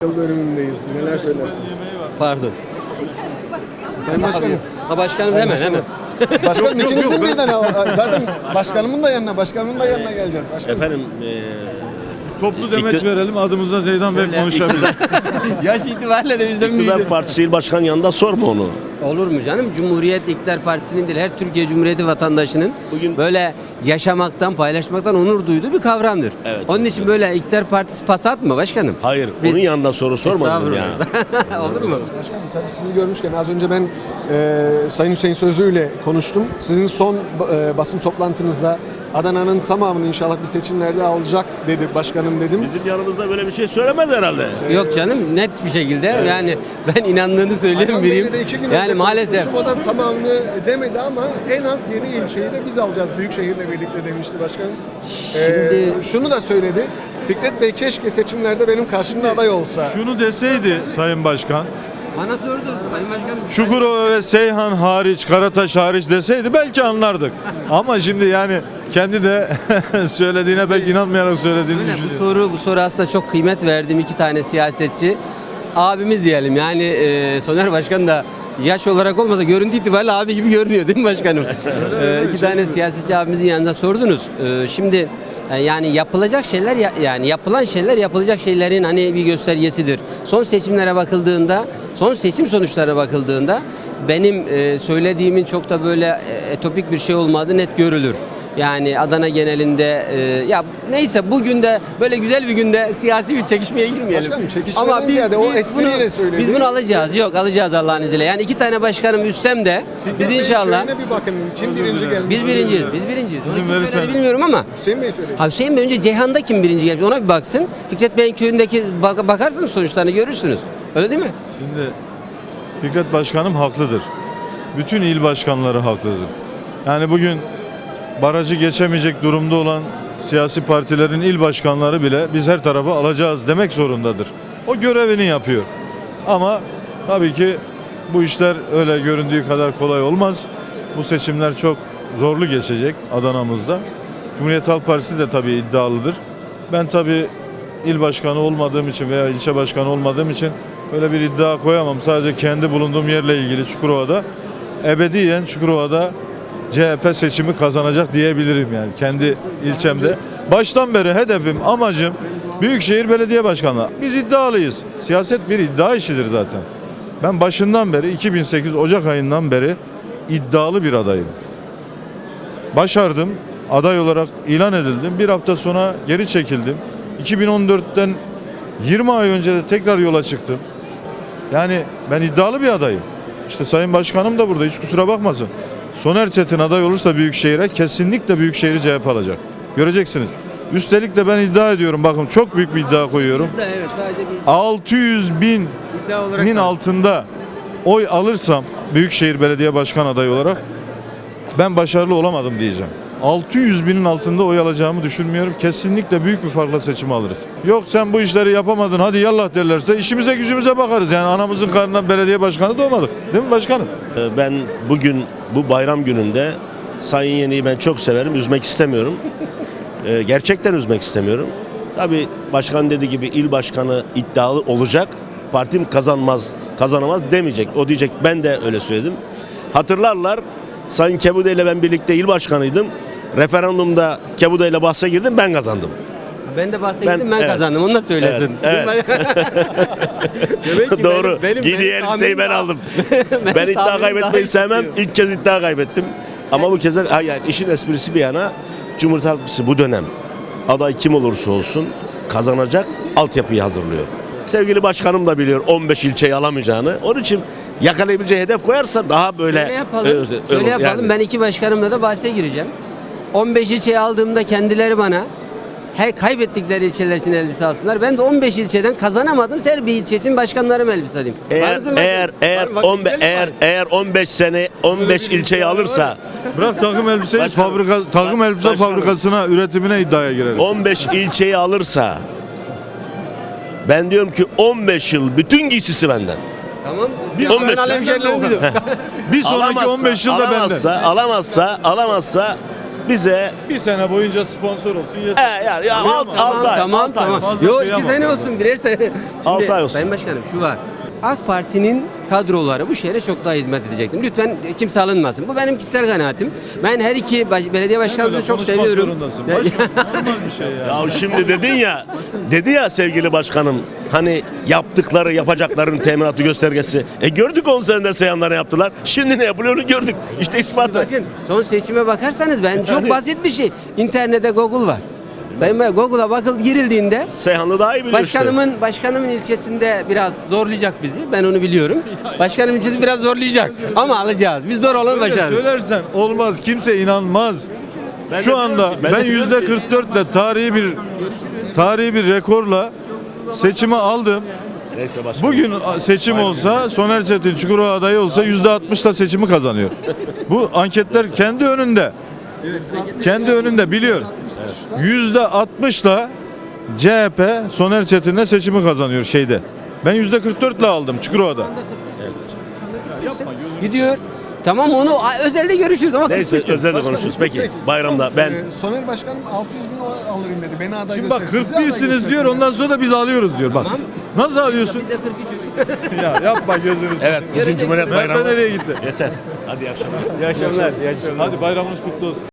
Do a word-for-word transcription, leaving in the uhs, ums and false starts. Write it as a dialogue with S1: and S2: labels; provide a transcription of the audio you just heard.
S1: Yıl dönümündeyiz. Neler söylersiniz?
S2: Pardon.
S1: Sayın Başkanım.
S2: Ha başkanım hemen hemen.
S1: Başkanım ikinizin birden al- zaten başkanımın da yanına, başkanımın da yanına geleceğiz. Başkanım.
S3: Efendim eee
S4: Toplu demeç
S3: İkti-
S4: verelim, adımızda Zeydan Bey konuşabilir.
S2: Yaş itibariyle de bizden
S3: İktidar
S2: büyüdü.
S3: Partisi İl Başkan yanında sorma onu.
S2: Olur mu canım? Cumhuriyet İktidar Partisi'nin değil, her Türkiye Cumhuriyeti vatandaşının
S3: Bugün-
S2: böyle yaşamaktan, paylaşmaktan onur duyduğu bir kavramdır.
S3: Evet,
S2: Onun
S3: evet,
S2: için böyle İktidar Partisi pasat mı başkanım?
S3: Hayır,
S2: Biz-
S3: onun yanında soru sormadım ya.
S2: Estağfurullah. Olur mu?
S1: Başkanım tabii sizi görmüşken az önce ben e, Sayın Hüseyin Sözlü ile konuştum. Sizin son e, basın toplantınızda Adana'nın tamamını inşallah bir seçimlerde alacak dedi başkanım dedim.
S3: Bizim yanımızda böyle bir şey söylemez herhalde.
S2: Yok canım, net bir şekilde yani ben inandığını söyleyen
S1: Ayhan
S2: biriyim.
S1: Bey'le de iki gün
S2: Yani
S1: önce
S2: maalesef.
S1: konuşmuşum. O da tamamını demedi ama en az yedi ilçeyi de biz alacağız Büyükşehir'le birlikte demişti başkanım.
S2: Şimdi-
S1: Ee, şunu da söyledi. Fikret Bey keşke seçimlerde benim karşımda aday olsa.
S4: Şunu deseydi Sayın Başkan,
S2: Bana sordu Sayın Başkanım.
S4: Çukurova ve Seyhan hariç, Karataş hariç deseydi belki anlardık. Ama şimdi yani kendi de söylediğine pek inanmayarak söylediğini
S2: Öyle, bu
S4: düşünüyorum.
S2: soru bu soru aslında çok kıymet verdiğim iki tane siyasetçi abimiz diyelim. Yani e, Soner Başkan da yaş olarak olmasa görüntü itibariyle abi gibi görünüyor değil mi başkanım? e, iki tane siyasetçi abimizin yanında sordunuz. E, şimdi e, yani yapılacak şeyler ya- yani yapılan şeyler yapılacak şeylerin hani bir göstergesidir. Son seçimlere bakıldığında, son seçim sonuçlarına bakıldığında benim e, söylediğimin çok da böyle e, etopik bir şey olmadığı net görülür. Yani Adana genelinde e, ya neyse bugün de böyle güzel bir günde siyasi bir çekişmeye girmeyelim.
S1: Başkanım, çekişmeden ziyade o espriyle
S2: bunu,
S1: söyledi.
S2: Biz bunu alacağız. Yok alacağız Allah'ın izniyle. Yani iki tane başkanım üstsem de
S1: Fikret
S2: biz
S1: Bey'in
S2: inşallah
S1: köyüne bir bakın. Kim birinci gelmiş?
S2: biz birinciyiz. Biz birinciyiz. Onu
S4: İzin
S2: kim
S4: verirsen-
S2: söyledi bilmiyorum ama
S1: Hüseyin Bey söyledi.
S2: Ha Hüseyin Bey önce Ceyhan'da kim birinci gelmiş ona bir baksın. Fikret Bey'in köyündeki bak- bakarsınız sonuçlarını görürsünüz. Öyle değil mi?
S4: Şimdi Fikret Başkanım haklıdır. Bütün il başkanları haklıdır. Yani bugün barajı geçemeyecek durumda olan siyasi partilerin il başkanları bile biz her tarafa alacağız demek zorundadır. O görevini yapıyor. Ama tabii ki bu işler öyle göründüğü kadar kolay olmaz. Bu seçimler çok zorlu geçecek Adana'mızda. Cumhuriyet Halk Partisi de tabii iddialıdır. Ben tabii il başkanı olmadığım için veya ilçe başkanı olmadığım için öyle bir iddia koyamam. Sadece kendi bulunduğum yerle ilgili Çukurova'da ebediyen Çukurova'da C H P seçimi kazanacak diyebilirim yani kendi ilçemde. Baştan beri hedefim, amacım Büyükşehir Belediye Başkanlığı. Biz iddialıyız. Siyaset bir iddia işidir zaten. Ben başından beri iki bin sekiz Ocak ayından beri iddialı bir adayım. Başardım. Aday olarak ilan edildim. Bir hafta sonra geri çekildim. iki bin on dörtten yirmi ay önce de tekrar yola çıktım. Yani ben iddialı bir adayım. İşte Sayın Başkanım da burada, hiç kusura bakmasın. Soner Çetin aday olursa Büyükşehir'e kesinlikle Büyükşehir'i C H P alacak. Göreceksiniz. Üstelik de ben iddia ediyorum, bakın çok büyük bir iddia koyuyorum.
S2: İddia, evet sadece bir
S4: altı yüz binin
S2: iddia olarak.
S4: altında oy alırsam Büyükşehir Belediye Başkan adayı olarak ben başarılı olamadım diyeceğim. altı yüz binin altında oy alacağımı düşünmüyorum. Kesinlikle büyük bir farkla seçimi alırız. Yok sen bu işleri yapamadın hadi yallah derlerse işimize gücümüze bakarız. Yani anamızın karnından belediye başkanı doğmadık. Değil mi başkanım?
S3: Ee, Ben bugün bu bayram gününde Sayın Yeni'yi ben çok severim, üzmek istemiyorum. Ee, Gerçekten üzmek istemiyorum. Tabii başkan dediği gibi il başkanı iddialı olacak. Partim kazanmaz, kazanamaz demeyecek. O diyecek, ben de öyle söyledim. Hatırlarlar, Sayın Kebude ile ben birlikte il başkanıydım. Referandumda Kebude ile bahse girdim, ben kazandım.
S2: Ben de bahsettim ben,
S3: Ben- evet.
S2: kazandım. Onu da söylesin.
S3: Evet,
S2: Demek ki
S3: Doğru.
S2: benim- benim-
S3: Giydiği
S2: benim
S3: elbiseyi ben
S2: tahminim
S3: aldım.
S2: daha-
S3: Ben iddia
S2: tahminim
S3: kaybetmeyi
S2: daha
S3: sevmem.
S2: istiyor.
S3: İlk kez iddia kaybettim. Ama bu kez de- ha yani işin esprisi bir yana Cumhuriyet Halk Partisi bu dönem aday kim olursa olsun kazanacak altyapıyı hazırlıyor. Sevgili başkanım da biliyor on beş ilçeyi alamayacağını. Onun için yakalayabileceği hedef koyarsa daha böyle
S2: Şöyle yapalım.
S3: Öyle-
S2: Şöyle
S3: öyle-
S2: yapalım.
S3: yani.
S2: Ben iki başkanımla da bahse gireceğim. on beş ilçeyi aldığımda kendileri bana he, kaybettikleri ilçeler için elbise alsınlar. Ben de on beş ilçeden kazanamadım. Her bir ilçe için başkanlarım elbise alayım.
S3: Eğer
S2: Varızın
S3: eğer
S2: bakın.
S3: eğer
S2: Var- bakın
S3: on
S2: güzel bir
S3: eğer
S2: var.
S3: eğer on beş sene on beş ilçeyi alırsa
S4: Bırak takım elbiseyi
S3: Başkanım.
S4: fabrika takım elbise
S3: Başkanım.
S4: fabrikasına üretimine iddiaya girelim.
S3: on beş ilçeyi alırsa ben diyorum ki on beş yıl bütün giysisi benden.
S2: Tamam.
S4: Bir
S2: Ya
S4: on beş
S2: ben alayım
S4: senden
S2: şeylerini
S4: de o
S2: dedim.
S4: Bir sonraki
S3: Alamazsa-
S4: on beş yılda benden.
S3: alamazsa, alamazsa, alamazsa bize
S4: Bir sene boyunca sponsor olsun yeter.
S3: e, yani ya, alt,
S2: Tamam
S3: altı ay,
S2: tamam
S3: altı ay.
S2: tamam.
S4: Fazla
S2: Yo iki
S4: kıyamam.
S2: sene olsun birer sene. Şimdi,
S3: Altı ay olsun.
S2: Sayın Başkanım şu var. AK Parti'nin kadroları bu şehre çok daha hizmet edecektir. Lütfen kimse alınmasın. Bu benim kişisel kanaatim. Ben her iki baş- belediye başkanımızı
S4: Böyle
S2: çok
S4: konuşmak
S2: seviyorum.
S4: zorundasın. Başkan, normal bir şey ya.
S3: Ya şimdi dedin ya, dedi ya sevgili başkanım, hani yaptıkları, yapacakların teminatı göstergesi. E gördük on senede Seyhanlara yaptılar. Şimdi ne yapılıyor onu gördük. İşte ispatı.
S2: Bakın son seçime bakarsanız ben çok
S3: Yani-
S2: basit bir şey. İnternette Google var. Sayın Bey Google'a bakıl girildiğinde
S3: Seyhanlı daha iyi biliyor işte.
S2: başkanımın başkanımın ilçesinde biraz zorlayacak bizi. Ben onu biliyorum. Başkanım ilçesi biraz zorlayacak ama alacağız. Biz zor olan
S4: Öyle
S2: başarırız.
S4: söylersen olmaz. Kimse inanmaz.
S3: Ben de
S4: Şu
S3: diyorum
S4: anda
S3: ki- ben de
S4: ben
S3: diyorum
S4: yüzde
S3: ki-
S4: kırk dört ile tarihi bir tarihi bir rekorla seçimi aldım.
S3: Neyse başkanım.
S4: Bugün seçim olsa Soner Çetin Çukurova adayı olsa yüzde altmışla seçimi kazanıyor. Bu anketler kendi önünde. Kendi önünde biliyor. Yüzde altmışla C H P Soner Çetin'le seçimi kazanıyor şeyde. Ben yüzde kırk dörtle aldım Çukurova'da.
S2: Gidiyor. Tamam onu a- özelde görüşürüz ama
S3: Neyse
S2: kırk
S3: özel de
S1: Başkanım,
S3: konuşuruz. Peki
S1: son,
S3: bayramda ben
S1: e, Soner Başkanım altı yüz bin oy alırım dedi. Beni aday
S4: Şimdi bak
S1: gösterin. Sizi
S4: kırk
S1: aday
S4: birsiniz
S1: göstersin.
S4: diyor ondan sonra da biz alıyoruz diyor bak.
S2: Tamam.
S4: Nasıl alıyorsun?
S2: Biz de kırk üçüz.
S4: Ya yapma gözünü
S3: evet
S4: seveyim.
S3: bugün Cumhuriyet
S4: Mehmet
S3: Bayramı
S4: nereye gitti?
S3: yeter. Hadi iyi akşamlar.
S4: İyi akşamlar. İyi akşamlar. Hadi bayramınız kutlu olsun.